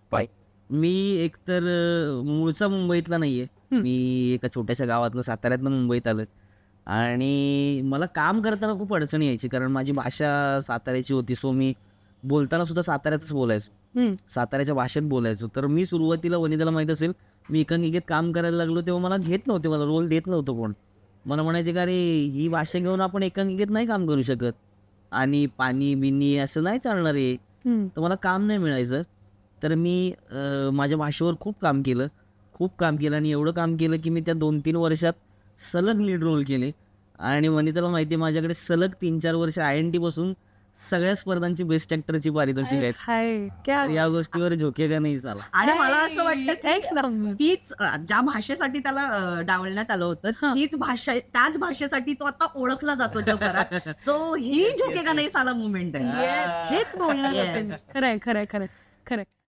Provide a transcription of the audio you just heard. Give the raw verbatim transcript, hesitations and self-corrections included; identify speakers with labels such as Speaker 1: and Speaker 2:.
Speaker 1: पाय.
Speaker 2: मी एकतर अ, मूळचा मुंबईतला नाहीये.
Speaker 1: हं.
Speaker 2: मी एका छोट्याशा गावातनं साताऱ्यातनं मुंबईत आलोय आणि मला काम करताना खूप अडचणी यायची कारण माझी भाषा साताऱ्याची होती. सो मी बोलताना सुद्धा साताऱ्यातच बोलायचो.
Speaker 1: हं.
Speaker 2: साताऱ्याच्या भाषेत बोलायचो. तर मी सुरुवातीला वनिताला माहीत असेल, मी एकांकिकेत काम करायला लागलो तेव्हा मला घेत नव्हते. मला रोल देत नव्हतं कोण. मला म्हणायचे की "अरे, ही भाषा घेऊन आपण एकांकिकेत नाही काम करू शकत आणि पाणी-बिनी असं नाही चालणार आहे."
Speaker 1: हं.
Speaker 2: तर मला काम नाही मिळायचं. तर मी अ, माझ्या भाषेवर खूप काम केलं. खूप काम केलं आणि एवढं काम केलं की मी त्या दोन तीन वर्षात सलग लीड रोल केले आणि वनिताला माहिती आहे माझ्याकडे सलग तीन चार वर्ष आय-एन-टी पासून सगळ्या स्पर्धांची बेस्ट ॲक्टरची पारितोषिक आहेत.
Speaker 1: हाय, क्या
Speaker 2: तर या गोष्टीवर झोकेगा नाही साला.
Speaker 3: आणि मला असं वाटतं की
Speaker 1: एक नंबर.
Speaker 3: तीच अ, ज्या भाषेसाठी त्याला अ, डावलण्यात आलं होतं
Speaker 1: हां.
Speaker 3: तीच भाषा त्याच भाषेसाठी तो आता ओळखला जातो जगभरात. सो ही झुकेगा नाही साला मुवमेंट आहे.
Speaker 1: येस, हेच बोलणार
Speaker 3: Yes.
Speaker 1: होते मी. खरंय, खरंय, खरंय, खरंय.